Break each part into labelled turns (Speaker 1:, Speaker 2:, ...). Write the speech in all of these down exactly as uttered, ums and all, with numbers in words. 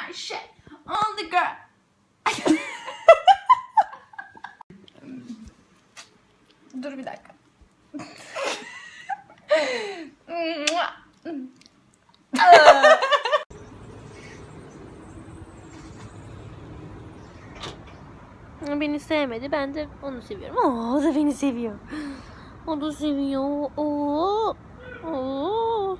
Speaker 1: my shit. All the girl. Dur bir dakika.
Speaker 2: Beni sevmedi. Ben de onu seviyorum. Oo, o da beni seviyor. O da seviyor. Oo. Oo.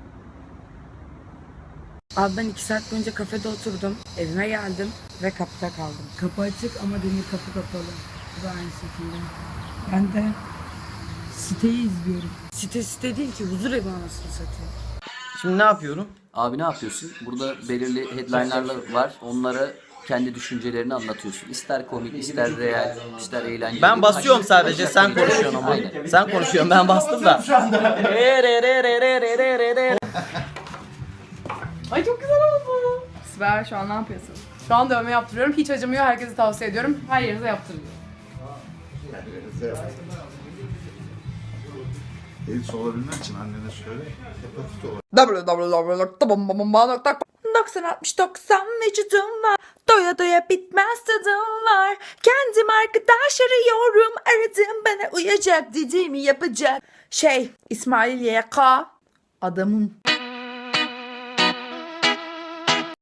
Speaker 3: Abi ben iki saat boyunca kafede oturdum. Evime geldim ve kapıda kaldım. Kapı açık ama demir kapı kapalı. Bu da aynı şekilde. Ben de siteyi izliyorum. Site site değil ki, huzur evi anasını satayım.
Speaker 4: Şimdi ne yapıyorum?
Speaker 5: Abi ne yapıyorsun? Burada belirli headline'lar var. Onlara kendi düşüncelerini anlatıyorsun. İster komik, ister real, ister eğlenceli.
Speaker 4: Ben basıyorum sadece, sen konuşuyorsun ama.
Speaker 5: Aynen.
Speaker 4: Sen konuşuyorsun, ben bastım da.
Speaker 6: Ay çok güzel oldu. Sibel şu an ne yapıyorsun? Şu an dövme yaptırıyorum. Hiç acımıyor. Herkese tavsiye ediyorum. Her yerinize yaptırın.
Speaker 7: AIDS olabilmek için annene söyle. Hepatit olarak.
Speaker 8: w w w nokta bomba nokta doksan altmış doksan vücudum var. Doya doya bitmez tadım var. Kendim arkadaş arıyorum. Aradım bana uyacak dediğimi yapacak. Şey İsmail Y K adamım.